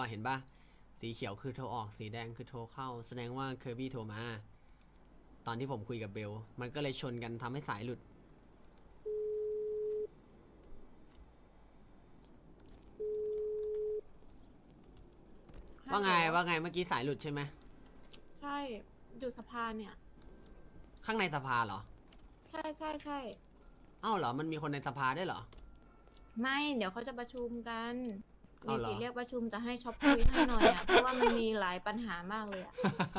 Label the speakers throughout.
Speaker 1: เห็นปะสีเขียวคือโทรออกสีแดงคือโทรเข้าแสดงว่าเคอร์บี้โทรมาตอนที่ผมคุยกับเบลมันก็เลยชนกันทำให้สายหลุดว่าไงเมื่อกี้สายหลุดใช่ไหม
Speaker 2: ใช่อยู่สภาเนี่ย
Speaker 1: ข้างในสภาเหรอ
Speaker 2: ใช่
Speaker 1: อ้าวเหรอมันมีคนในสภาได้วยเหรอ
Speaker 2: ไม่เดี๋ยวเขาจะประชุมกันเม
Speaker 1: เอาเหรอ
Speaker 2: จิเรียกประชุมจะให้ช็อปคุยให้หน่อยอ่ะเพราะว่ามันมีหลายปัญหามากเลยอ่ะ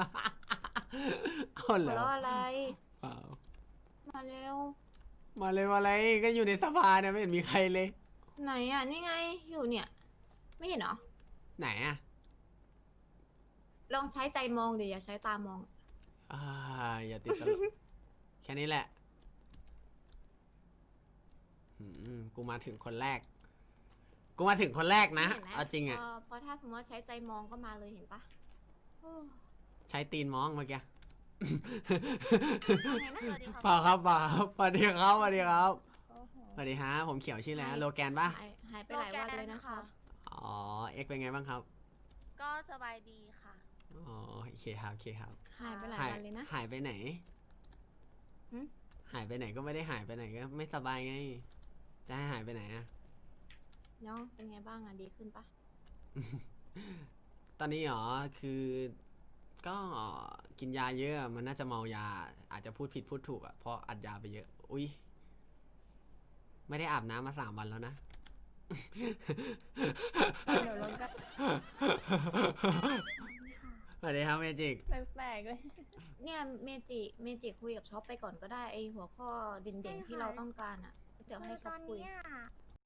Speaker 1: เอาเหร
Speaker 2: หัว
Speaker 1: อ
Speaker 2: เราะอะไร
Speaker 1: เปล่า
Speaker 2: มาเร็ว
Speaker 1: มาเลยมาเลยก็อยู่ในสภาเนี่ยไม่เห็นมีใครเลย
Speaker 2: ไหนอ่ะนี่ไงอยู่เนี่ย ไม่เห็นเหรอ
Speaker 1: ไหนอะ
Speaker 2: ลองใช้ใจมองเดี๋ยวอย่าใช้ตามอง
Speaker 1: อ่าอย่าติดตลก แค่นี้แหละกูมาถึงคนแรกนะ
Speaker 2: เห็นไหม
Speaker 1: เอาจริงอะ
Speaker 2: พอถ้าสมมติว่าใช้ใจมองก็มาเลยเห็นปะโอ้
Speaker 1: ใช้ตีนมองเมื่อกี้
Speaker 2: ไงนะ
Speaker 1: เปล่าครับเปล่าสวัสดีครับสวัสดีครับ
Speaker 2: โอ้โห
Speaker 1: สวัสดีฮะผมเขียวชื่ออะไรนะโลแกนปะ
Speaker 2: หายไปหลายวันเลยนะช็อป
Speaker 1: อ๋อเอ็กเป็นไงบ้างครับ
Speaker 3: ก็สบายดีค่ะ
Speaker 1: อ๋อโอเคครับโอเคครับ
Speaker 2: หายไปหลายวันเลยนะ
Speaker 1: หายไปไหน
Speaker 2: หึ
Speaker 1: หายไปไหนก็ไม่ได้หายไปไหนก็ไม่สบายไง จะให้หายไปไหนอะ
Speaker 2: น้องเป็นไงบ้างอ่ะดีขึ้นปะ
Speaker 1: ตอนนี้หรอคือก็กินยาเยอะมันน่าจะเมายาอาจจะพูดผิดพูดถูกอ่ะเพราะอัดยาไปเยอะอุ้ยไม่ได้อาบน้ำมา3 วันแล้วนะ
Speaker 2: เดี๋ยวลงก็
Speaker 1: สวัสดีครับเมจิก
Speaker 2: แปลกๆเลย เนี่ยเมจิคุยกับช็อปไปก่อนก็ได้ไอหัวข้อเด่นๆที่เราต้องการอ่ะ เดี๋ยวให้
Speaker 3: คือ
Speaker 2: ช็
Speaker 3: ต
Speaker 2: อ
Speaker 3: อ
Speaker 2: ป
Speaker 3: น
Speaker 2: คุย
Speaker 3: เนี้ย